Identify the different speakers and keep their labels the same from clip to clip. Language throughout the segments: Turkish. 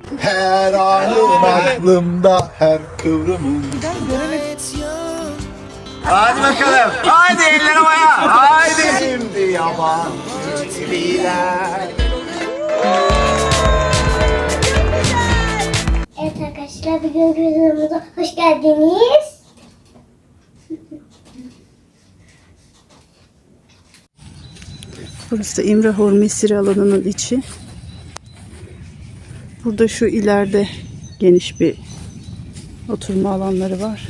Speaker 1: Her anın aklımda, her kıvrımın. Hadi bakalım. Hadi eller havaya. Haydi. Şimdi yabancı gibiler.
Speaker 2: Evet arkadaşlar, bir gün videomuza hoş geldiniz.
Speaker 3: Burası da İmrahor Mesire alanının içi. Burada şu ileride geniş bir oturma alanları var.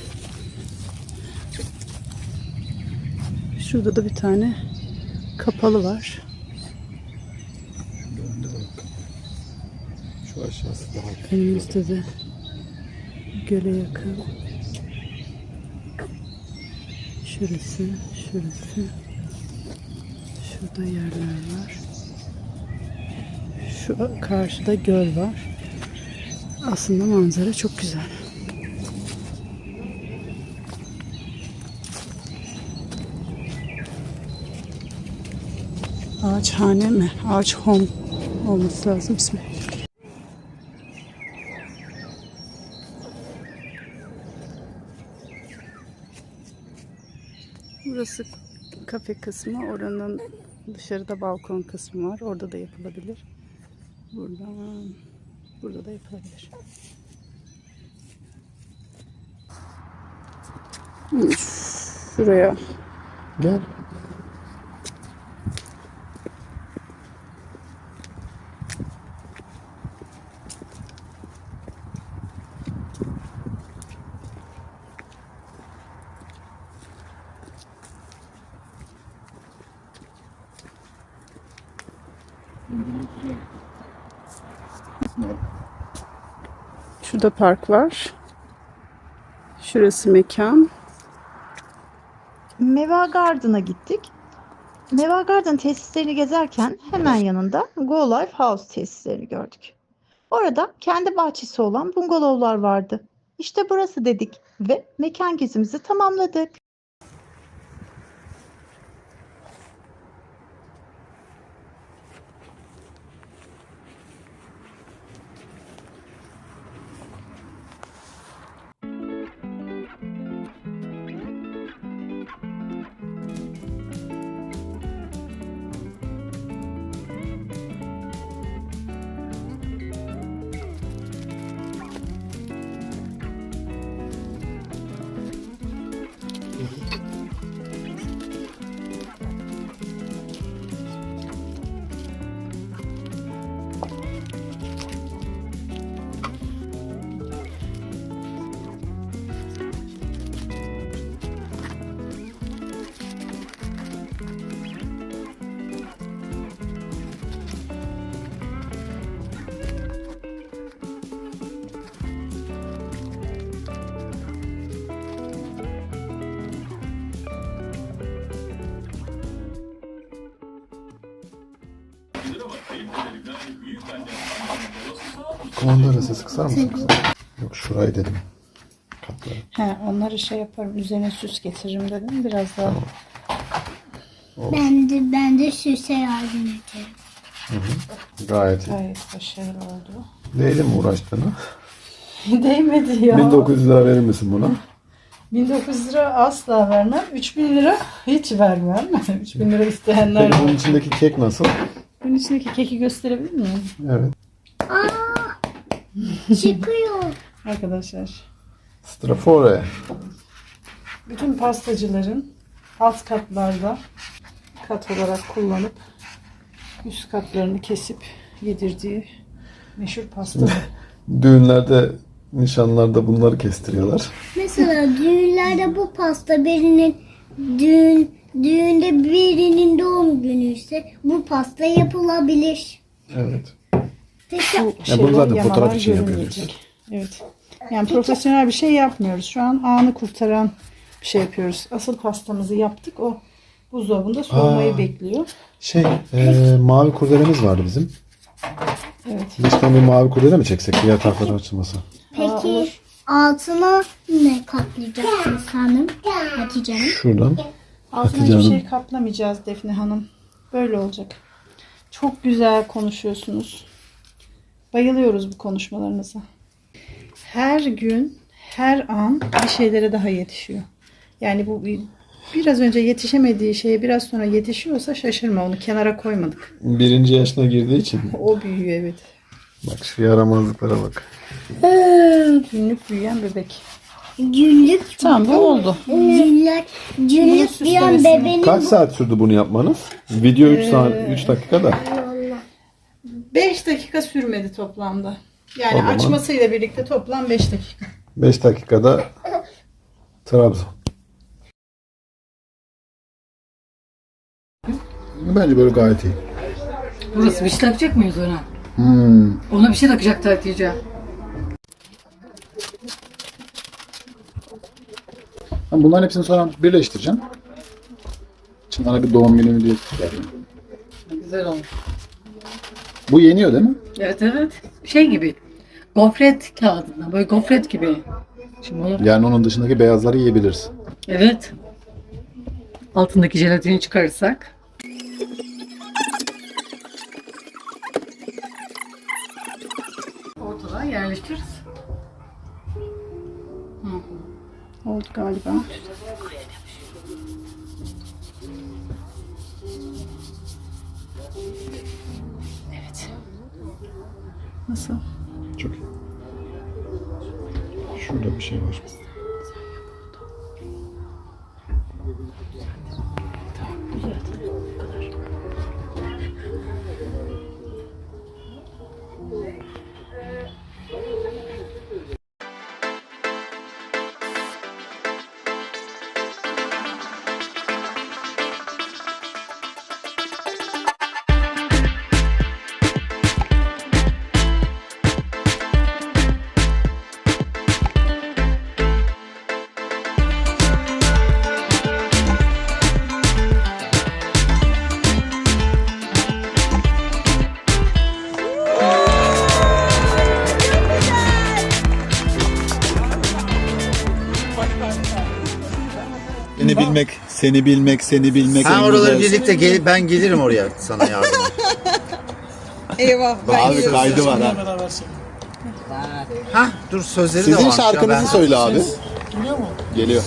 Speaker 3: Şurada da bir tane kapalı var.
Speaker 1: Şu aşağısı daha güzel.
Speaker 3: Önümüzde de göle yakın. Şurası, şurası. Şurada yerler var. Şu karşıda göl var. Aslında manzara çok güzel. Ağaçhane mi? Ağaç home olması lazım ismi. Burası kafe kısmı. Oranın dışarıda balkon kısmı var. Orada da yapılabilir. Burada da yapılabilir. Şuraya.
Speaker 1: Gel.
Speaker 3: Şurada park var. Şurası mekan.
Speaker 4: Meva Garden'a gittik. Meva Garden tesislerini gezerken hemen yanında Go Life House tesislerini gördük. Orada kendi bahçesi olan bungalovlar vardı. İşte burası dedik ve mekan gezimizi tamamladık.
Speaker 1: Kumanda arası kısar mısın kızım? Yok, şurayı dedim. Katları.
Speaker 3: He, onları şey yaparım. Üzerine süs getiririm dedim. Biraz daha.
Speaker 2: Ben de süse yardım edeceğim.
Speaker 1: Gayet iyi.
Speaker 3: Gayet başarılı oldu.
Speaker 1: Neyle mi uğraştığını?
Speaker 3: Değmedi ya.
Speaker 1: 1900 lira verir misin buna?
Speaker 3: 1900 lira asla vermem. 3000 lira hiç vermem. 3000 lira isteyenler
Speaker 1: Peki bunun
Speaker 3: var.
Speaker 1: içindeki kek nasıl?
Speaker 3: Bunun içindeki keki gösterebilir miyim?
Speaker 1: Evet.
Speaker 2: Çıkıyor.
Speaker 3: Arkadaşlar.
Speaker 1: Strafore.
Speaker 3: Bütün pastacıların alt katlarda kat olarak kullanıp üst katlarını kesip yedirdiği meşhur pasta.
Speaker 1: Düğünlerde, nişanlarda bunları kestiriyorlar.
Speaker 2: Mesela düğünlerde bu pasta düğünde birinin doğum günü ise bu pasta yapılabilir.
Speaker 1: Evet.
Speaker 2: Peki
Speaker 1: Ya bunu zaten
Speaker 3: yamalar
Speaker 1: fotoğraf için
Speaker 3: görünmeyecek. Evet. Yani profesyonel bir şey yapmıyoruz. Şu an anı kurtaran bir şey yapıyoruz. Asıl pastamızı yaptık. O buzdolabında soğumayı bekliyor.
Speaker 1: Mavi kurdelemiz vardı bizim.
Speaker 3: Evet.
Speaker 1: Lütfen bir mavi kurdele mi çeksek? Diğer tarafları açılması.
Speaker 2: peki altına ne katlayacaksınız hanım? Hatice Hanım.
Speaker 1: Şuradan.
Speaker 3: Altına
Speaker 1: Hatice
Speaker 3: hiçbir
Speaker 1: Hanım.
Speaker 3: şey kaplamayacağız Defne Hanım. Böyle olacak. Çok güzel konuşuyorsunuz. Bayılıyoruz bu konuşmalarınıza. Her gün, her an bir şeylere daha yetişiyor. Yani bu biraz önce yetişemediği şeye biraz sonra yetişiyorsa şaşırma, onu kenara koymadık.
Speaker 1: 1. yaşına girdiği için.
Speaker 3: O büyüyor, evet.
Speaker 1: Bak şu yaramazlıklara bak.
Speaker 3: Günlük büyüyen bebek.
Speaker 2: Günlük.
Speaker 3: Tamam, bu oldu.
Speaker 2: Günlük bir an bebeğin.
Speaker 1: Kaç saat sürdü bunu yapmanız? Video 3 saat 3 dakikada.
Speaker 3: 5 dakika sürmedi toplamda. Yani
Speaker 1: O zaman-
Speaker 3: açmasıyla birlikte toplam 5 dakika.
Speaker 1: 5 dakikada Trabzon. Bence böyle gayet iyi.
Speaker 5: Burası bir şey takacak mıyız ona?
Speaker 1: Hmm.
Speaker 5: Ona bir şey takacak Hatice.
Speaker 1: Ben bunların hepsini sonra birleştireceğim. Çınar'a bir doğum günü diye vereyim.
Speaker 5: Güzel olmuş.
Speaker 1: Bu yeniyor değil mi?
Speaker 5: Evet evet. Şey gibi. Gofret kağıdından. Böyle gofret gibi. Şimdi onu...
Speaker 1: Yani onun dışındaki beyazları yiyebiliriz.
Speaker 5: Evet. Altındaki jelatini çıkarırsak. Ortadan yerleştiririz.
Speaker 3: Oldu galiba.
Speaker 5: Evet.
Speaker 3: Nasıl?
Speaker 1: Çok iyi. Şurada bir şey var.
Speaker 6: Seni bilmek, seni bilmek, seni bilmek.
Speaker 7: Ha
Speaker 6: en
Speaker 7: oraları
Speaker 6: güzel.
Speaker 7: birlikte ben gelirim oraya sana yardıma.
Speaker 3: Eyvah.
Speaker 6: Abi kaydı var ha.
Speaker 7: Ha dur sözleri de
Speaker 6: Sizin
Speaker 7: varmış ya,
Speaker 6: şarkınızı
Speaker 7: ben-
Speaker 6: söyle abi. Geliyor.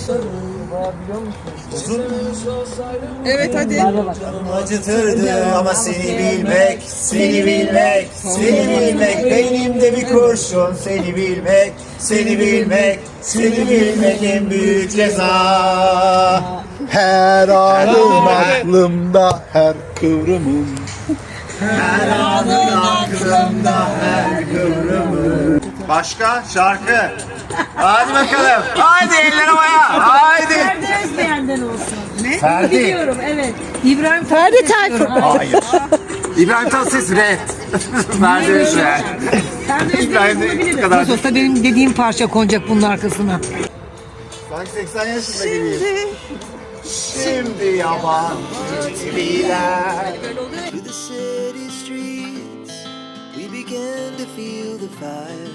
Speaker 3: Evet hadi.
Speaker 7: Acıtırdı ama seni bilmek, seni bilmek, seni bilmek benim de bir kurşun seni bilmek, seni bilmek, seni bilmek en büyük ceza.
Speaker 6: Her anım aklımda, her kıvrımım.
Speaker 7: Her anın aklımda her kıvrımı. Başka şarkı. Hadi bakalım. Haydi eller havaya. Haydi.
Speaker 8: Ferdi Özbeğen'den olsun. Ne?
Speaker 7: Ferdi.
Speaker 8: Biliyorum evet. İbrahim
Speaker 3: Ferdi Tayfur.
Speaker 7: Hayır. İbrahim Tatlıses red. Ferdi Özbeğen.
Speaker 8: Ferdi Özbeğen'i bulabilirim.
Speaker 7: kadar.
Speaker 5: Nasıl olsa benim dediğim parça konacak bunun arkasına.
Speaker 7: Sanki 80 yaşında gibiyim. Şimdi yabancı gibiler.
Speaker 9: Through the city streets, we began to feel the fire.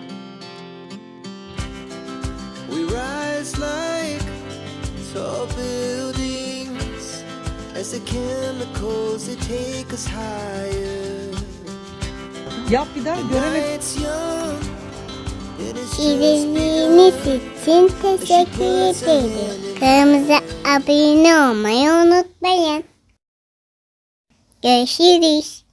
Speaker 9: We rise like tall buildings as the chemicals they take us higher.
Speaker 3: Yap bir daha göremedim.
Speaker 9: Night's young, and it's just
Speaker 2: İzlediğiniz için teşekkür ederim. Kanalımıza abone olmayı unutmayın. Görüşürüz.